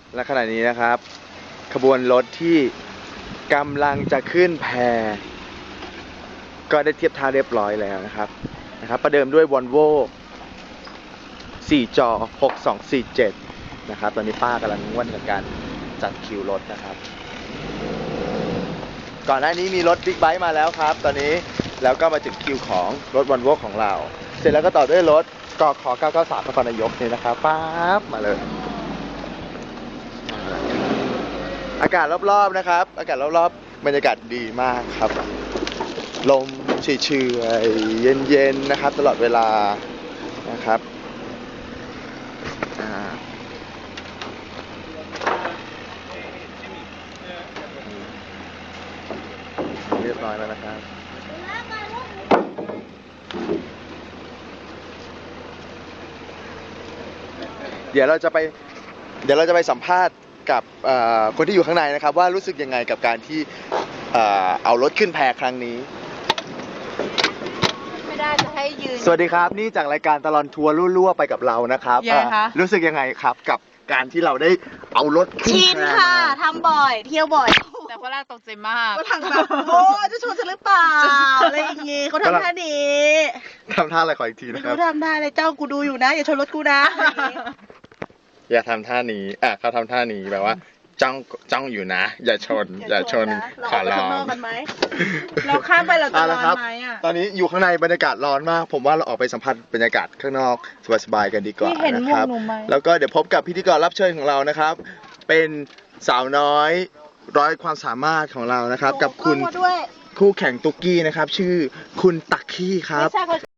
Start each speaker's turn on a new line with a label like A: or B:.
A: และขณะนี้นะครับขบวนรถที่กำลังจะขึ้นแพก็ได้เทียบท่าเรียบร้อยแล้วนะครับประเดิมด้วย Volvo 4 จอ 6247 นะครับตอนนี้ป้ากำลังง่วนกับการจัดคิวรถนะครับก่อนหน้านี้มีรถบิ๊กไบค์มาแล้วครับตอนนี้แล้วก็มาถึงคิวของรถ Volvo ของเราเสร็จแล้วก็ต่อด้วยรถกข993นครนายกนี่นะครับป๊าบมาเลยอากาศรอบๆนะครับอากาศรอบๆบรรยากาศดีมากครับลมเฉยๆเย็นๆนะครับตลอดเวลานะครับเรียบร้อยแล้วนะครับเดี๋ยวเราจะไปสัมภาษณ์กับคนที่อยู่ข้างในนะครับว่ารู้สึกยังไงกับการที่เอารถขึ้นแพครั้งนี้
B: ไม่ได้จะให้ยืน
A: สวัสดีครับนี่จากรายการตลอดทัวร์รั่วๆไปกับเรานะครับ
B: ยังไงคะ
A: รู้สึกยังไงครับกับการที่เราได้เอารถขึ้น
B: ชิน
A: แพ
B: ค่ะ
A: มา
B: ทำบ่อย เที่ยวบ่อย
C: แต่ฝรั่งตกใจมาก
B: ก็ทางแบบโอ้จะชวนฉันหรือเปล่าอะไรอย่างงี้เขาทำท่านี้
A: ทำท่าอะไรขออีกที
B: ไม่
A: นะครับ
B: รู้ทำท่าอะไรเจ้ากูดูอยู่นะอย่าชนรถกูนะอะไรอย่างงี้
A: อย่าทำท่านี้เขาทำท่านี้แบบว่าจ้องอยู่นะ อย่าชนขอร้อง
B: เรากันไหมเราข้ามไปเราจะร้อนไหมอ่ะ
A: ตอนนี้อยู่ข้างในบรรยากาศร้อนมากผมว่าเราออกไปสัมผัสบรรยากาศข้างนอกสบายๆกันดีกว่า
B: นี่เห็น
A: นะ
B: หม
A: คว
B: ก
A: รับ
B: หนูไหม
A: แล้วก็เดี๋ยวพบกับพิธีกรรับเชิญของเรานะครับ เป็นสาวน้อยร้อยความสามารถของเรานะครับ กับคุณ
B: โอ้เข้ามาด้วย
A: คู่แข่งตุ๊กกี้นะครับ ชื่อคุณตักกี้ครับ
B: ไม่ใช่เขา